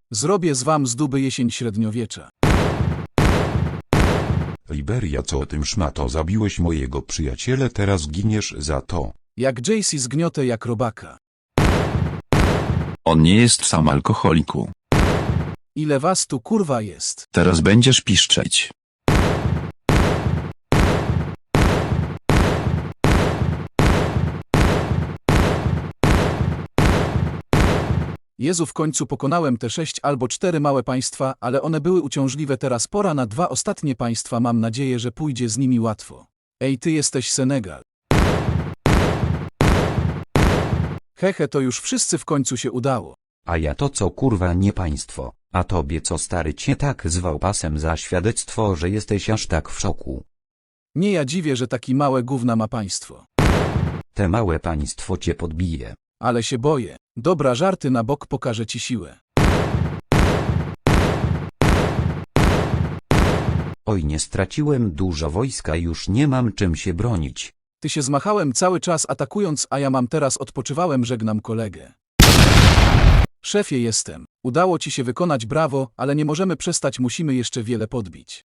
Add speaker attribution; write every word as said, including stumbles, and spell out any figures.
Speaker 1: Zrobię z wam z duby jesień średniowiecza.
Speaker 2: Liberia, co o tym szmato, zabiłeś mojego przyjaciela, teraz giniesz za to.
Speaker 1: Jak Jaycee zgniotę jak robaka.
Speaker 3: On nie jest sam alkoholiku.
Speaker 1: Ile was tu kurwa jest?
Speaker 3: Teraz będziesz piszczeć.
Speaker 1: Jezu, w końcu pokonałem te sześć albo cztery małe państwa, ale one były uciążliwe, teraz pora na dwa ostatnie państwa, mam nadzieję, że pójdzie z nimi łatwo. Ej, ty jesteś Senegal. Hehe, to już wszyscy w końcu się udało.
Speaker 4: A ja to co kurwa nie państwo, a tobie co stary cię tak zwał pasem za świadectwo, że jesteś aż tak w szoku.
Speaker 1: Nie, ja dziwię, że taki małe gówna ma państwo.
Speaker 4: Te małe państwo cię podbije.
Speaker 1: Ale się boję. Dobra, żarty na bok, pokażę ci siłę.
Speaker 4: Oj, nie straciłem dużo wojska, już nie mam czym się bronić.
Speaker 1: Ty się zmachałem cały czas atakując, a ja mam teraz odpoczywałem, żegnam kolegę. Szefie, jestem. Udało ci się wykonać, brawo, ale nie możemy przestać, musimy jeszcze wiele podbić.